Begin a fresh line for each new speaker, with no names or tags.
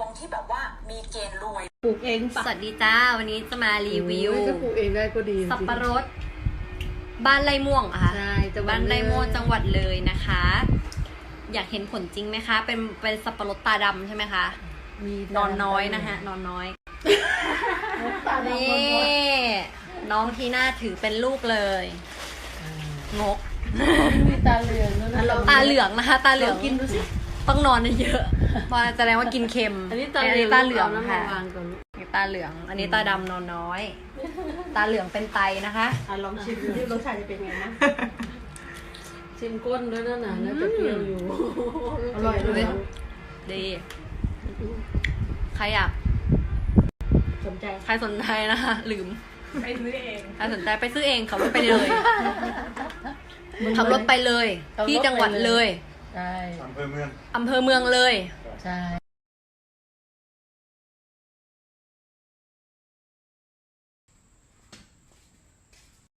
ที่แบบว่ามีเกณฑ์รวย
ปลูกเองปะ
สวัสดีจ้าวันนี้จะมารีวิว
ถ้าปลูกเองได้ก็ดี
สับปะรดบ้านไร่ม่วงอะค่ะ
ใช่จังหวัด
บ้านไร่ม่วงจังหวัดเลยนะคะ อยากเห็นผลจริงไหมคะ เป็นสับปะรดตาดำใช่ไหมคะนอนน้อยนะฮะนอนน้อย
ตาดำ
นี่น้องที่น่าถือเป็นลูกเลยงก
มีตาเหลืองแล้วนะ
ตาเหลืองนะคะ ตาเหลือง
กินดูสิ
ต้องนอนเยอะเพราะแสดงว่ากินเค็ม
อันนี้
ตาเหลือง
น้ำ
ค่ะ
วางก่อน
นี่ตาเหลือง อันนี้ตาดำนอนน้อย ตาเหลืองเป็นไตนะคะ
ลองชิมดูที่รสชาติจะเป็นไงนะ
ชิมก้นด้วยนะน่าจะเปรี้ยวอยู่
อร่อยด้วย
ดี ใครอยาก
สนใจ
ใครสนใจนะคะลืม
ไปซื้อเอง
ใครสนใจไปซื้อเองขับรถไปเลยขับรถไปเลย ที่จังหวัดเลย
ใช่
อำเภอเมือง
อำเภอเมืองเลย
ใช่